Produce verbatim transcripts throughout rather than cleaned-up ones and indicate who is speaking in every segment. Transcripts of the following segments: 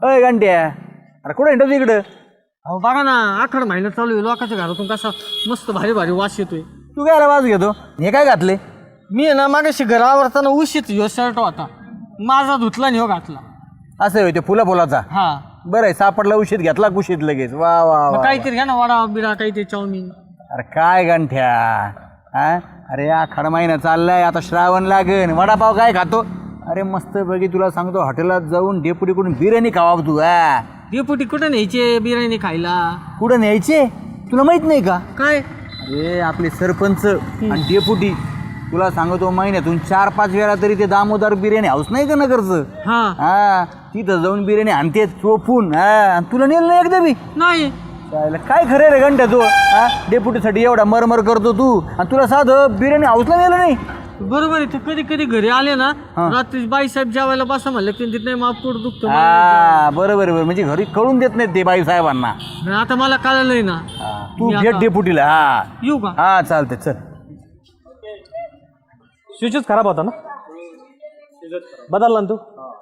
Speaker 1: अय घंट्या, अरे कुठे हिंडतो इकडं?
Speaker 2: अहो बघा ना, आखड महिना चालू आहे, लोकांच्या घरातून कसा मस्त भारी भारी वास येतोय.
Speaker 1: तू काय आवाज घेतो? हे काय घातले?
Speaker 2: मी आहे ना मागाशी घरावरताना उशीत ह्यो शर्ट होता, माझा धुतला आणि ह्यो घातला.
Speaker 1: असं होय, ते फुला फुलाचा.
Speaker 2: हा
Speaker 1: बरं आहे, सापडला उशीत घेतला कुशीत लगेच. वा वा
Speaker 2: मग
Speaker 1: वा.
Speaker 2: काहीतरी घ्या ना, वडा बिडा काहीतरी चाऊमिन.
Speaker 1: अरे काय गंठ्या, हा अरे आखाड महिना चाललाय, आता श्रावण लागन. वडापाव काय खातो? अरे मस्त पैकी तुला सांगतो, हॉटेलात जाऊन डेपुटीकडून बिर्याणी खावा तू. हा
Speaker 2: डेपुटी कुठे न्यायचे बिर्याणी खायला?
Speaker 1: कुठं न्यायचे तुला माहित नाही का?
Speaker 2: काय?
Speaker 1: अरे आपले सरपंच आणि डेपुटी, तुला सांगतो महिन्यातून चार पाच वेळा तरी ते दामोदर बिर्याणी हाऊस नाही का नगरचं,
Speaker 2: हा
Speaker 1: हा तिथं जाऊन बिर्याणी आणते चोपून. हा आणि तुला नेलं नाही एकदा बी?
Speaker 2: नाही.
Speaker 1: चालेल, काय खरं रे घंटा तू? हा डेपुटीसाठी एवढा मरमर करतो तू, आणि तुला साधं बिर्याणी हाऊसला नेलं नाही.
Speaker 2: बरोबर आहे. ते कधी कधी घरी आले ना,
Speaker 1: हा.
Speaker 2: रात्री बाईसाहेब जेवायला बसा म्हणलं की तिथे माप पोट दुखतं.
Speaker 1: हा बरोबर बरोबर, म्हणजे घरी कळून देत नाहीत ते बाई साहेबांना.
Speaker 2: आणि आता मला कळलंय ना.
Speaker 1: तू
Speaker 2: मी
Speaker 1: भेट
Speaker 2: आता-
Speaker 1: डेपुटीला. हा
Speaker 2: येऊ का?
Speaker 1: हा चालते, चल.
Speaker 3: स्विचच खराब होता ना, बदलला ना तू?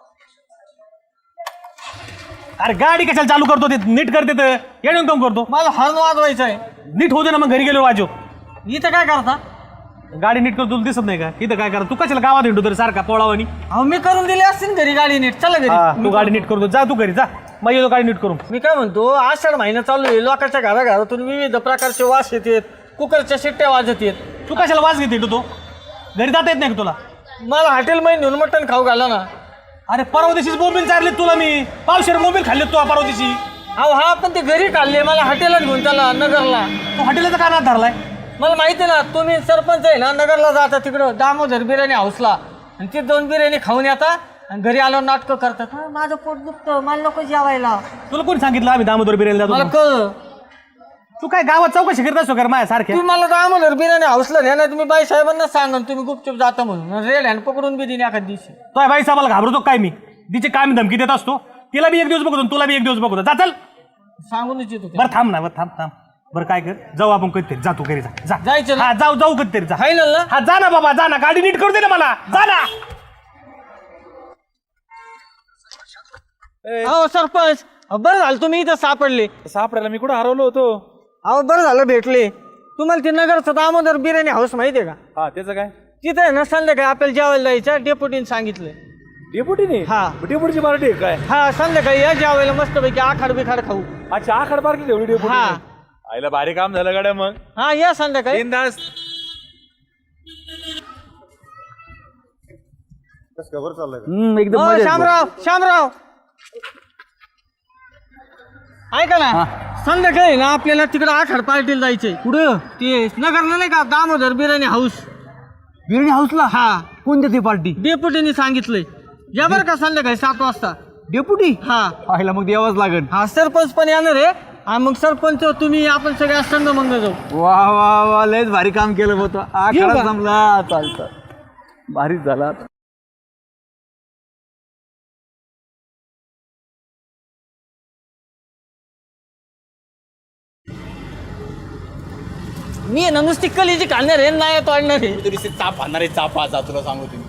Speaker 3: अरे गाडी कशाला चालू करतो? ते नीट करते तर येणं काम करतो.
Speaker 2: मला हॉर्न वाजवायचा आहे.
Speaker 3: नीट होते ना, मग घरी गेलो वाजव.
Speaker 2: इथं काय करता?
Speaker 3: गाडी नीट करतो, तुला दिसत नाही का? इथं काय करा तू? कशाला गावात हिंडतो तरी सारखा पोळावानी?
Speaker 2: अहो मी करून दिली असतील घरी गाडी नीट. चला
Speaker 3: हा,
Speaker 2: घरी.
Speaker 3: तू गाडी नीट करतो, जा तू घरी जा, मग येतो गाडी नीट करून.
Speaker 2: मी काय म्हणतो, आषाढ महिना चालू आहे, लोकांच्या घराघरातून विविध प्रकारचे वास येतात, कुकरच्या शिट्ट्या वाजत येत.
Speaker 3: तू कशाला वाज घेते तो? घरी जाता येत नाही का तुला?
Speaker 2: मला हॉटेलमध्ये नेऊन मटण खाऊ घाला ना.
Speaker 3: अरे परवा दिवशीच मोबाईल चारले तुला मी, पावशेर मोबाईल खाल्ले तू परवा दिवशी.
Speaker 2: अहो हा, पण ते घरी खाल्ले, मला हॉटेलला घेऊन चला नगरला.
Speaker 3: तू हॉटेलचा का नाद धरलाय?
Speaker 2: मला माहिती आहे ना, तुम्ही सरपंच आहे ना, नगरला जाता तिकडं दामोदर बिर्याणी हाऊसला, आणि ती दोन बिर्याणी खाऊन येता आणि घरी आल्यावर नाटकं करतात. हा, माझं पोट दुखतं, मला नको जेवायला.
Speaker 3: तुला कोणी सांगितलं आम्ही दामोदर बिर्याणी
Speaker 2: मला
Speaker 3: जातो?
Speaker 2: कळ.
Speaker 3: तू काय गावात चौकशी करत असतो कर माझ्या सारख्या?
Speaker 2: तुम्ही मला दामोदर बिर्याणी हाऊसला न्या, नाही तुम्ही बाई साहेबांना सांगा तुम्ही गुपचूप जाता म्हणून. रेड हँड पकडून बी दिली एखाद दिवशी.
Speaker 3: तो बाई साहेबाला घाबरतो काय मी? तिचे काय मी धमकी देत असतो? तिला बी एक दिवस बघतो, तुला बी एक दिवस बघतो. जा चल.
Speaker 2: सांगूनच येतो.
Speaker 3: बरं थांब ना, बरं थांब थांब बरं काय कर, जाऊ आपण कधीतरी. जा तू घरी जा, जा.
Speaker 2: जायचं ना?
Speaker 3: हा जाऊ जाऊ कधीतरी जा.
Speaker 2: फायनल ना?
Speaker 3: हा जा ना बाबा, जा ना, गाडी नीट करू दे ना मला, जा ना.
Speaker 2: अहो सरपंच, अहो, बरं झालं तुम्ही इथं सापडले.
Speaker 3: सापडायला मी कुठं हरवलो होतो?
Speaker 2: अहो बरं झालं भेटले. तुम्हाला ते नगरचं दामोदर बिर्याणी हाऊस माहिती आहे का?
Speaker 3: हा त्याचं काय?
Speaker 2: तिथे आहे ना, संध्याकाळी आपल्याला जेवायला जायचं, डेपुटीने सांगितलं.
Speaker 3: डेपुटीने?
Speaker 2: हा
Speaker 3: डेपुटीची पार्टी काय?
Speaker 2: हा, संध्याकाळी या जेवायला मस्त पैकी आखाड बिखाड खाऊ.
Speaker 3: अच्छा, आखाड पार्टी ठेवली डेपुटी.
Speaker 2: हा
Speaker 3: आईला भारी काम झालं गाड्या. मग
Speaker 2: हा, या संध्याकाळी.
Speaker 3: बिनधास्त.
Speaker 1: हम्म, एकदम
Speaker 2: हो,
Speaker 1: मजेत.
Speaker 2: शामराव शामराव ऐका ना, संध्याकाळी ना आपल्याला तिकडे आखाड पार्टीला जायचंय.
Speaker 1: कुठं?
Speaker 2: ते नगरला नाही का, दामोदर बिर्याणी हाऊस.
Speaker 1: बिर्याणी हाऊसला?
Speaker 2: हा,
Speaker 1: कोणत्या ती पार्टी?
Speaker 2: डेपुटीने सांगितलंय. या बरं का संध्याकाळी सात वाजता.
Speaker 1: डेपुटी?
Speaker 2: हा
Speaker 1: पाहिला मग द्यावाच लागेल.
Speaker 2: हा, सरपंच पण येणार आहे. आणि मग सरपंच तुम्ही आपण सगळ्या संघ मंग जाऊ.
Speaker 1: वा वा वा, लयच भारी काम केलं होतं.
Speaker 2: येऊ
Speaker 1: आखाडा
Speaker 2: का?
Speaker 1: जमला. चालतं, भारीच झाला.
Speaker 2: मी आहे ना नुसती कलीची खाणार आहे, नाही तोडणार आहे.
Speaker 1: तरी चाप आणणार आहे, चाप जा तुला सांगू तुम्ही.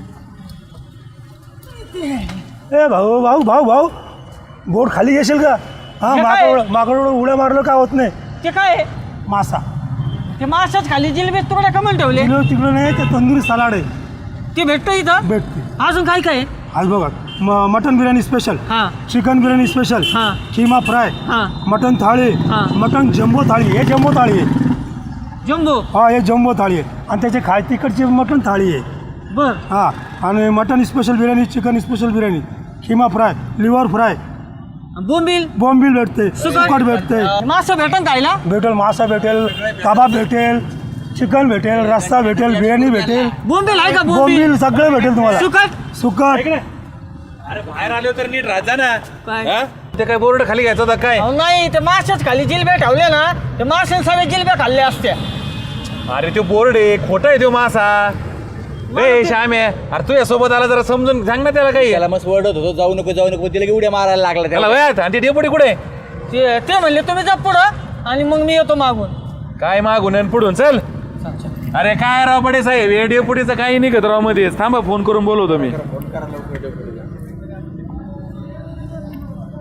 Speaker 4: ए भाऊ भाऊ भाऊ भाऊ बोट खाली घेशील का? हा,
Speaker 2: हे काय?
Speaker 4: माकड माकडं उड्या मारलं का होत नाही.
Speaker 2: ते काय आहे?
Speaker 4: मासा
Speaker 2: ते माशाच खाली जिलेबी तुकडे कमल ठेवले.
Speaker 4: तिकडं तिकडं नाही, ते तंदुरी सलाड आहे,
Speaker 2: ते भेटतं इथं.
Speaker 4: भेटते.
Speaker 2: अजून काय काय आहे?
Speaker 4: आज बघा, म- मटन बिर्याणी स्पेशल,
Speaker 2: हा
Speaker 4: चिकन बिर्याणी स्पेशल,
Speaker 2: हा
Speaker 4: किमा फ्राय,
Speaker 2: हा,
Speaker 4: मटन थाळी,
Speaker 2: हा.
Speaker 4: मटन जम्बो थाळी. हे जम्बो थाळी आहे.
Speaker 2: जम्बो.
Speaker 4: हा, हे जम्बो थाळी आहे. आणि त्याचे खाय तिकडची मटन थाळी आहे.
Speaker 2: बर.
Speaker 4: हा, आणि mutton special biryani, chicken special biryani, keema fry, liver fry,
Speaker 2: बोंबील.
Speaker 4: बॉम्बिल भेटते,
Speaker 2: सुकट.
Speaker 4: सुकट भेटते,
Speaker 2: मासं भेटन खायला.
Speaker 4: भेटेल, मासा भेटेल, कबाब भेटेल, चिकन भेटेल, रस्सा भेटेल, बिर्याणी भेटेल,
Speaker 2: बोंबील आहे का? बोंबील.
Speaker 4: बोंबील सगळं भेटेल तुम्हाला.
Speaker 2: सुकट.
Speaker 4: सुकट.
Speaker 3: अरे बाहेर आलो तर नीट राजा ना.
Speaker 2: काय?
Speaker 3: ते काय बोर्ड खाली घ्यायचा होता काय?
Speaker 2: अहो, नाही, ते माशाच खाली जिलब्या ठेवल्या ना, ते माशाने सगळ्या जिलब्या खाल्ल्या असत्या.
Speaker 3: अरे तो बोर्ड आहे, खोटा आहे तो मासा. ए श्याम आहे, अरे तू यासोबत आला जरा समजून सांग ना त्याला काही.
Speaker 1: त्याला मस्त ओरडत होतो, जाऊ नको जाऊ नको, तिला की उड्या मारायला लागला
Speaker 3: त्याला
Speaker 1: त्याला.
Speaker 3: वयात. आणि ते डेपुटी कुठे?
Speaker 2: ते ते म्हणले तुम्ही जा पुढं आणि मग मी येतो मागून.
Speaker 3: काय मागून आणि पुढून चल. अरे काय राव बडे साहेब, हे डेपुटीचं काही निघत राव मध्येच. थांबा, फोन करून बोलवतो मी.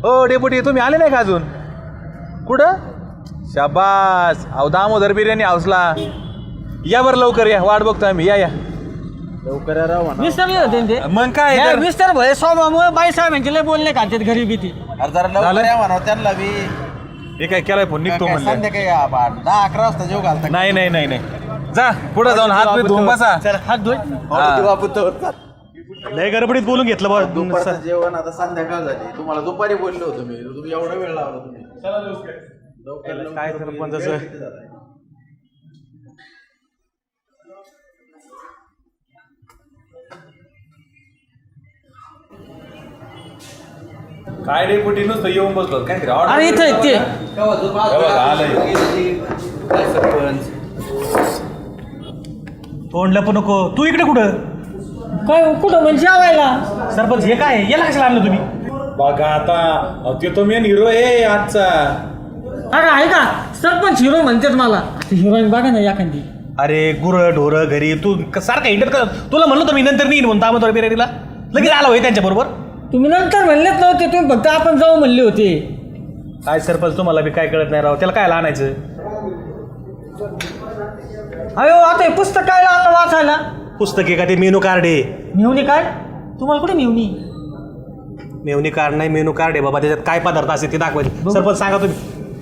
Speaker 3: हो डेपुटी तुम्ही आले नाही का अजून? कुठं? शाबास. अहो दामोदर बिर्याणी हाऊसला या बरं लवकर या, वाट बघतो आम्ही. या या
Speaker 1: लवकर या राव म्हणा.
Speaker 2: मिस्टर होते ना ते
Speaker 3: मग काय
Speaker 2: हे
Speaker 3: तर?
Speaker 2: मिस्टर भय स्वभावामुळे बाई साहेबांचे लय बोलणे खातात घरी भीती.
Speaker 1: अरे जरा लवकर या म्हणा त्यांना बी.
Speaker 3: हे काय केलाय फोन निघतो
Speaker 1: काय
Speaker 3: म्हणलं.
Speaker 1: संध्याकाळी या बा. दहा अकरा वाजता जेव घालता.
Speaker 3: नाही नाही नाही नाही जा पुढे जाऊन हात बीत धुवून बसा.
Speaker 2: हात धुय
Speaker 1: मारुती बापू तर
Speaker 5: लय गडबडीत बोलून घेतलं बा
Speaker 1: दुपारचं जेवण आता संध्याकाळ झाली. तुम्हाला दुपारी बोललो होतो मी. तुम्ही एवढा वेळ लावला तुम्ही. लवकर
Speaker 5: काय सरपंचाचं
Speaker 3: काय डेपुटी नुसतं येऊन बसलो काय तरी
Speaker 2: अरे इथं आहेत ते.
Speaker 1: केव्हा झोप आज
Speaker 3: बघा,
Speaker 1: बघा.
Speaker 3: आलंय.
Speaker 1: काय सरपंच
Speaker 5: तोंडला पण नको. तू इकडे कुठं?
Speaker 2: काय कुठं म्हणजे जेवायला?
Speaker 5: सरपंच हे काय याला कशाला आणलं तुम्ही?
Speaker 3: बघा आता अहो, ते तो मेन हिरो आहे आजचा.
Speaker 2: अरे आहे का सरपंच हिरो म्हणतात मला. हिरोईन बघा ना एखादी.
Speaker 5: अरे गुरं ढोरं घरी तू क- सारखं हिंडत कर. तुला म्हणलं तर मी नंतर नाही म्हणून दामोदर बिर्याणीला लगेच आला होय त्यांच्या बरोबर.
Speaker 2: तुम्ही नंतर म्हणलेच नव्हते, तुम्ही फक्त आपण जाऊ म्हणले होते.
Speaker 5: काय सरपंच तुम्हाला बी काय कळत नाही राव. त्याला काय आणायचं?
Speaker 2: अयो आता हे पुस्तक काय आता वाचायला?
Speaker 5: पुस्तक आहे का ते मेनू कार्ड आहे?
Speaker 2: मेवणी काय? तुम्हाला कुठे मेवणी?
Speaker 5: मेवणी कार्ड नाही मेनू कार्ड आहे बाबा. त्याच्यात काय पदार्थ असते ते दाखवायचे. सरपंच सांगा तुम्ही.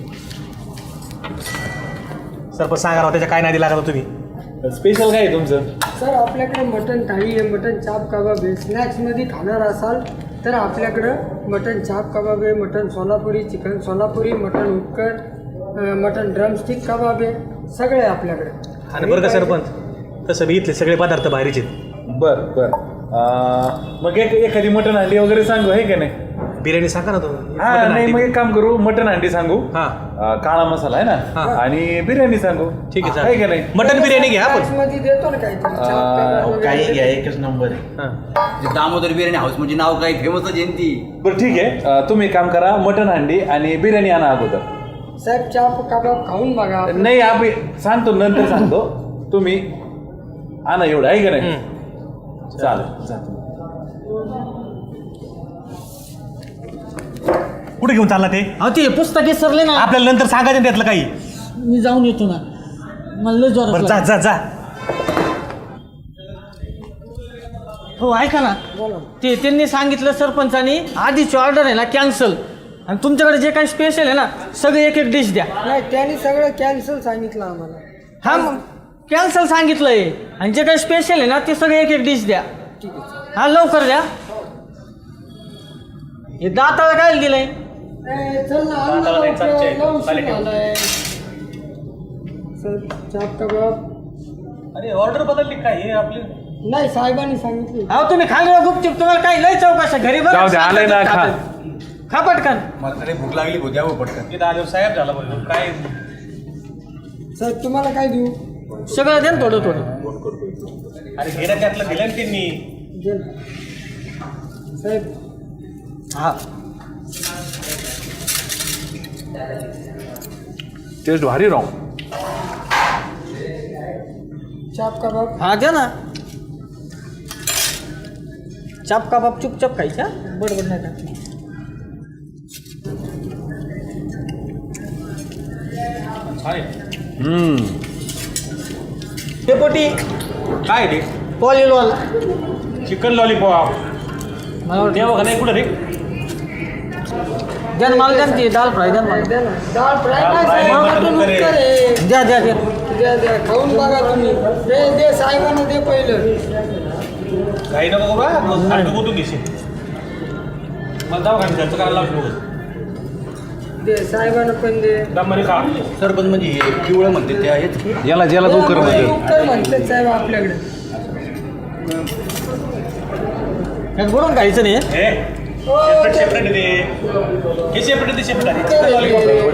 Speaker 5: सरपंच सांगा राव त्याच्या काय नाही लागला तुम्ही.
Speaker 3: स्पेशल काय आहे तुमचं?
Speaker 6: सर आपल्याकडे मटन थाळी आहे, मटन चाप कबाब आहे. स्नॅक्समध्ये खाणार असाल तर आपल्याकडं मटन चाप कबाब आहे, mutton Solapuri, chicken Solapuri, mutton उपकर, मटन ड्रमस्टिक कबाब आहे. सगळे आहे आपल्याकडे.
Speaker 5: आणि बरं का सरपंच तसं मी इथले सगळे पदार्थ बाहेरचे आहेत.
Speaker 3: बर बर अं, मग एक एखादी मटण हंडी वगैरे सांगू आहे का नाही?
Speaker 5: बिर्याणी सांगा ना तुम्ही.
Speaker 3: हा नाही मग एक काम करू मटण हंडी सांगू.
Speaker 5: हा.
Speaker 3: अं, काळा मसाला आहे
Speaker 5: हा.
Speaker 3: ना आणि बिर्याणी सांगू.
Speaker 5: ठीक आहे
Speaker 3: आहे का
Speaker 5: चालेल.
Speaker 3: नाही?
Speaker 5: मटन बिर्याणी घ्या आपण.
Speaker 6: स्नॅक्समध्ये देतो ना काहीतरी चाप कबाब
Speaker 1: अहो,
Speaker 6: वगैरे.
Speaker 1: काही घ्या एकच नंबर आहे.
Speaker 5: हां.
Speaker 1: जे दामोदर बिर्याणी हाऊस म्हणजे नाव काही फेमसच आहे ना ती.
Speaker 3: बरं ठीक आहे अं, तुम्ही एक काम करा मटण हंडी आणि बिर्याणी आणा अगोदर.
Speaker 6: साहेब चाप कबाब खाऊन बघा.
Speaker 3: नाही आम्ही सांगतो नंतर सांगतो. तुम्ही आणा एवढं आहे का नाही? चालेल चालेल.
Speaker 5: कुठे घेऊन चालला ते?
Speaker 2: अहो ते पुस्तक विसरले ना.
Speaker 5: आपल्याला नंतर सांगायचं ना त्यातलं काही.
Speaker 2: मी जाऊन येतो ना. मला लय
Speaker 5: बरं
Speaker 2: जोरात
Speaker 5: जा
Speaker 2: लागलं.
Speaker 5: जा जा.
Speaker 2: हो ऐका ना. ते त्यांनी सांगितलं सरपंचानी आधीची ऑर्डर आहे ना कॅन्सल. आणि तुमच्याकडे जे काही स्पेशल आहे ना सगळे एक एक डिश द्या.
Speaker 6: नाही त्यांनी सगळं कॅन्सल सांगितलं आम्हाला.
Speaker 2: हा मग कॅन्सल सांगितलंय. आणि जे काही स्पेशल आहे ना ते सगळे एक एक डिश द्या.
Speaker 6: ठीक आहे.
Speaker 2: हा लवकर द्या. हे दाताला काय दिलंय?
Speaker 6: ए, चल ना आण ना
Speaker 5: दादाला नाही, चालतंय.
Speaker 6: लवकर, लवकर
Speaker 5: चालेल ठेव.
Speaker 6: आलाय. सर चाप कबाब.
Speaker 5: अरे ऑर्डर बदलली काय हे आपली?
Speaker 6: नाही साहेबांनी सांगितलं.
Speaker 2: अहो तुम्ही खाली गुपचूप तुम्हाला काही लय चौकशा घरी बघा.
Speaker 3: जाऊ दे, आलंय ना, खा.
Speaker 2: खा पटकन.
Speaker 1: मला तरी भूक लागली भूक द्यावं पटकन.
Speaker 5: इथं आलो साहेब झाला बोललो काय.
Speaker 6: सर तुम्हाला काय देऊ?
Speaker 2: सगळं द्या ना थोडं थोडं.
Speaker 5: अरे घेणं त्यातलं दिलं ना त्यांनी.
Speaker 6: दे ना. साहेब
Speaker 2: हा
Speaker 3: टेस्ट भारी राहू.
Speaker 6: चाप कबाब.
Speaker 2: हा द्या ना. चाप कबाब चुपचाप खायच्या बडबड नाही का.
Speaker 3: हम्म.
Speaker 2: डेपोटी
Speaker 5: काय रे?
Speaker 2: पॉलिलॉल.
Speaker 5: Chicken lollipop.
Speaker 2: मला वाटतं-
Speaker 5: देवा का नाही कुठं रे?
Speaker 2: द्या ना मला द्या ना ती दाल फ्राय द्या ना मला.
Speaker 6: द्या ना. डाळ फ्राय नाही
Speaker 5: डाळ फ्राय
Speaker 6: साहेब,
Speaker 5: नाही,
Speaker 6: मटण
Speaker 5: मटण
Speaker 6: उपकर आहे.
Speaker 2: द्या द्या द्या.
Speaker 6: द्या द्या खाऊन बघा तुम्ही. दे दे साहेबांना दे पहिलं.
Speaker 5: काही नको बा सारखं गोतून घेशील. मला जाऊ का त्यांचं करायला लागलो.
Speaker 6: दे साहेबांना पण दे.
Speaker 5: दममध्ये खा.
Speaker 1: सरपंच म्हणजे हे पिवळं म्हणते ते आहेच की.
Speaker 3: याला ज्याला तू कर म्हणजे
Speaker 6: उपकर म्हणतात साहेब आपल्याकडे.
Speaker 2: यात बुडून खायचं नाही.
Speaker 5: हे सेपरेट सेपरेट दे. हे सेपरेट दे सेपरेट आहे. Chicken lollipop.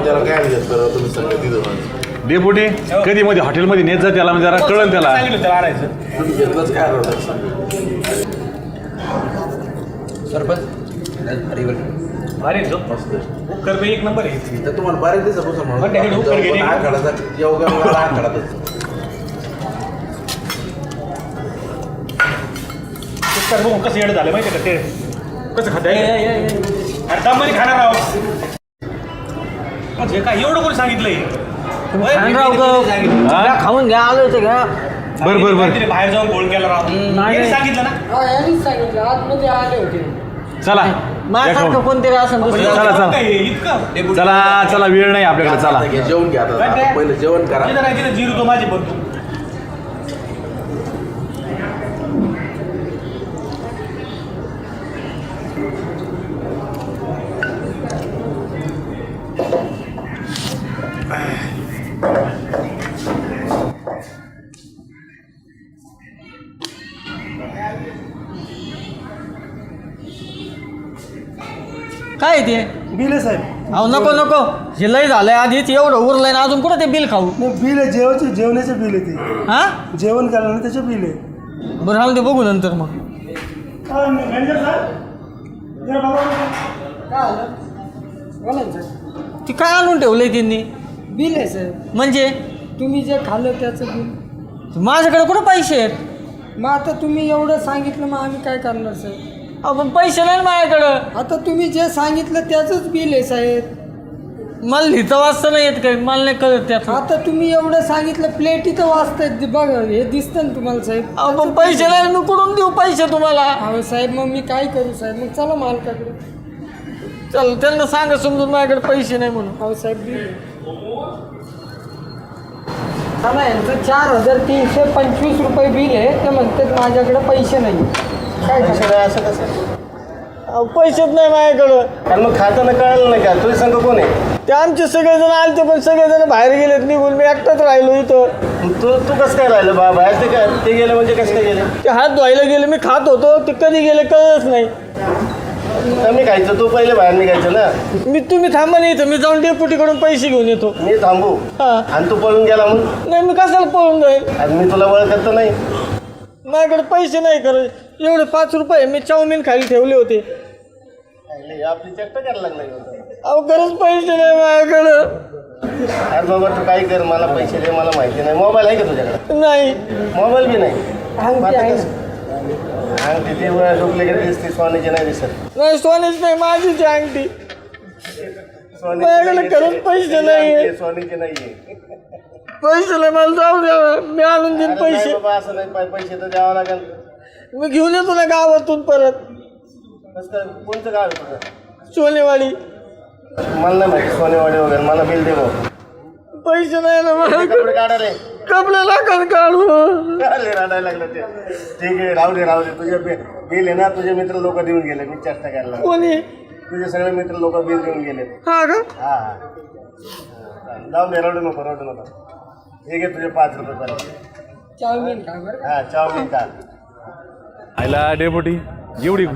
Speaker 3: डेपुटी कधी मध्ये हॉटेलमध्ये नेत जा त्याला म्हणजे जरा कळण त्याला.
Speaker 5: सांगितलं त्याला आणायचं.
Speaker 1: सरपंच अरे बरं.
Speaker 5: भारी आहे तो. उपकर बी एक नंबर आहे.
Speaker 1: तर तुम्हाला बरेच दिवसापासून
Speaker 5: बरं, त्याकडे उपकर घेणे.
Speaker 1: आखाडाचा योगा वगैरे आखाडातच.
Speaker 5: उपकर बघून कसं येडं झालं माहिती आहे का ते कसं खाता येईल. अरे दममध्ये खाणार आहोत. हे काय एवढं कोणी सांगितलंय
Speaker 2: खानराव ग खाऊन घ्या आलो होतं घ्या.
Speaker 3: बर बर बर
Speaker 5: काहीतरी बाहेर जाऊन गोळ केला राव
Speaker 2: नाही.
Speaker 5: यांनी सांगितलं ना
Speaker 6: हा यांनीच सांगितलं आतमध्ये आले होते.
Speaker 3: चला
Speaker 2: माझ्यासारखं कोणतरी असं दुसरं
Speaker 3: चला चला
Speaker 5: काय हे, इतकं
Speaker 3: चला चला वेळ नाही आपल्याकडे चला
Speaker 7: जेवण घ्या आता.
Speaker 5: काय ते?
Speaker 7: पहिलं जेवण करा.
Speaker 5: तिथं नाही, तिथं जिरू तो माझी बघ तू.
Speaker 2: काय ते
Speaker 4: बिल आहे साहेब.
Speaker 2: अहो नको नको हे लय झालंय आधीच एवढं उरलंय ना अजून कुठं ते बिल खाऊ.
Speaker 4: नाही बिल आहे जेवायचे जेवणाचे बिल आहे ते.
Speaker 2: हा
Speaker 4: जेवण केलं त्याचे बिल आहे.
Speaker 2: बरं राहून ते बघू नंतर मग.
Speaker 4: हा, मॅनेजर साहेब जरा बघा.
Speaker 6: काय आलं बोला ना सर.
Speaker 2: ते काय आणून ठेवलंय त्यांनी
Speaker 6: बिल आहे सर.
Speaker 2: म्हणजे
Speaker 6: तुम्ही जे खाल्लं त्याचं बिल.
Speaker 2: माझ्याकडे कुठं पैसे आहेत.
Speaker 6: मग आता तुम्ही एवढं सांगितलं मग आम्ही काय करणार सर.
Speaker 2: अहो, पण पैसे नाही ना माझ्याकडं.
Speaker 6: आता तुम्ही जे सांगितलं त्याचंच बिल आहे साहेब.
Speaker 2: मला लिहिता वाचता नाही येत काही मला नाही कळत त्यात.
Speaker 6: आता तुम्ही एवढं सांगितलं प्लेट इथं वाचतायत बघा हे दिसतं ना तुम्हाला साहेब.
Speaker 2: अहो, पण पैसे नाही मी कुठून देऊ पैसे तुम्हाला.
Speaker 6: अहो साहेब मग मी काय करू साहेब. मग चला मालकाकडे.
Speaker 2: चल त्यांना सांगा समजून माझ्याकडे पैसे नाही म्हणून.
Speaker 6: अहो साहेब बिल आहे. चला यांचं चार हजार तीनशे पंचवीस रुपये बिल आहे. ते म्हणतात माझ्याकडे पैसे नाही. काय
Speaker 8: पैसे नाही असं कसं
Speaker 2: अहो, पैसेच नाही माझ्याकडं.
Speaker 8: आणि मग खाताना कळलं नाही का तुझे संघ कोण आहे
Speaker 2: ते आमचे सगळेजण आलते पण सगळेजण बाहेर गेलेत निघून मी एकटाच राहिलो इथं.
Speaker 8: तू तू कसं काय राहिलं बा बाहेर ते काय ते गेले म्हणजे कसं काय गेले
Speaker 2: ते हात धुवायला गेले मी खात होतो ते कधी गेले कळलंच नाही.
Speaker 8: कमी खायचं तू पहिले बाहेर निघायचं ना.
Speaker 2: मी तुम्ही थांबा नाही इथं मी जाऊन डेपुटीकडून पैसे घेऊन येतो.
Speaker 8: मी थांबू
Speaker 2: हा
Speaker 8: आणि तू पळून गेला म्हणून
Speaker 2: नाही मी कशाला पळून जाईल.
Speaker 8: आणि मी तुला ओळखत तर नाही.
Speaker 2: माझ्याकडे पैसे नाही करत एवढे पाच रुपये मी चाऊमिन खाली ठेवले होते.
Speaker 8: अरे, आपली चक्क करायला लागला
Speaker 2: अहो खरंच पैसे नाही माझ्याकडं.
Speaker 8: अरे बाबा तू काय कर मला पैसे दे मला माहिती नाही. मोबाईल आहे का तुझ्याकडे
Speaker 2: नाही
Speaker 8: मोबाईल बी नाही.
Speaker 6: अंगठी
Speaker 8: मग आता
Speaker 6: आहे.
Speaker 8: कसं? अंगठी ती डुप्लिकेट दिसते सोन्याची नाही दिसत.
Speaker 2: नाही सोनीच नाही माझीच आहे अंगठी.
Speaker 8: सोन्याची
Speaker 2: माझ्याकडे
Speaker 8: नाहीये.
Speaker 2: खरंच पैसे नाहीये.
Speaker 8: सोन्याची नाहीये.
Speaker 2: पैसे नाही मला जाऊ द्या मी आणून देईन
Speaker 8: अरे नाही
Speaker 2: पैसे.
Speaker 8: बाबा असं नाही पै- पैसे तर द्यावं लागेल.
Speaker 2: मी घेऊन येतो ना गावातून परत.
Speaker 8: कसं काय कोणतं गाव आहे तुझं
Speaker 2: सोनेवाडी.
Speaker 8: मला नाही माहिती सोनेवाडी वगैरे मला बिल दे भाऊ.
Speaker 2: पैसे नाही ना माझ्याकडे.
Speaker 8: कपडे काढा रे.
Speaker 2: कपडे लागत काढू.
Speaker 8: अरे रडायला लागलं ते. ठीक आहे राहू दे राहू दे तुझे बि- बिल आहे ना तुझे मित्र लोक देऊन गेले मी चेष्टा करायला लागलो.
Speaker 2: कोणी
Speaker 8: तुझे सगळे मित्र लोक बिल देऊन गेले.
Speaker 2: हा का
Speaker 8: हा हा जाऊन दे रडू नको रडू नको. ठीक आहे तुझे पाच रुपये पाहिजे.
Speaker 6: चाऊमिन खा बरं.
Speaker 8: हा चाऊमिन का
Speaker 3: आयला डेपुटी एवढी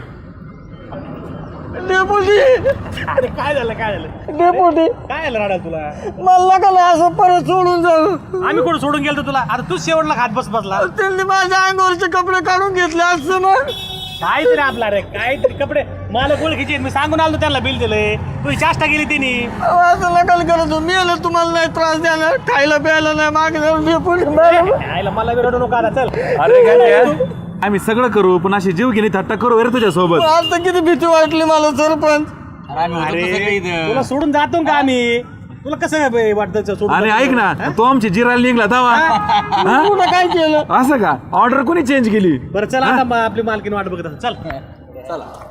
Speaker 2: डेपुटी
Speaker 5: अरे काय झालं काय झालं
Speaker 2: डेपुटी
Speaker 5: काय झालं राडा तुला
Speaker 2: मला का नाही असं परत सोडून जाऊ.
Speaker 5: आम्ही कोण सोडून गेलो तुला आता तू शेवटला खात बस बसला
Speaker 2: त्यांनी माझ्या अंगावरचे कपडे काढून घेतले असं मग.
Speaker 5: काहीतरी आपला रे काहीतरी कपडे मला ओळखीचे आहेत. मी सांगून आलो त्यांना बिल दिलंय तुझी चाष्टा गेली त्यांनी.
Speaker 2: अहो, असं नकल करत मी आलं तुम्हाला नाही त्रास द्यायला खायला प्यायला नाही मागणं डेपुटी बरं.
Speaker 5: आयला मला बी रडू नको आता चल
Speaker 3: अरे काय आम्ही सगळं करू पण अशी जीव घेणी थट्टा करू अरे तुझ्या सोबत.
Speaker 2: आता किती भीती वाटली मला सरपंच.
Speaker 5: अरे तुला सोडून जातो का आम्ही तुला कसं काय वाटतं सोडून
Speaker 3: अरे
Speaker 5: जातो?
Speaker 3: ऐक ना तो आमची जिरायला निघला तवा
Speaker 2: कुठं काय केलं.
Speaker 3: असं का ऑर्डर कोणी चेंज केली.
Speaker 5: बरं चला आता मा- आपली मालकीन वाट बघत असेल. चल
Speaker 1: चला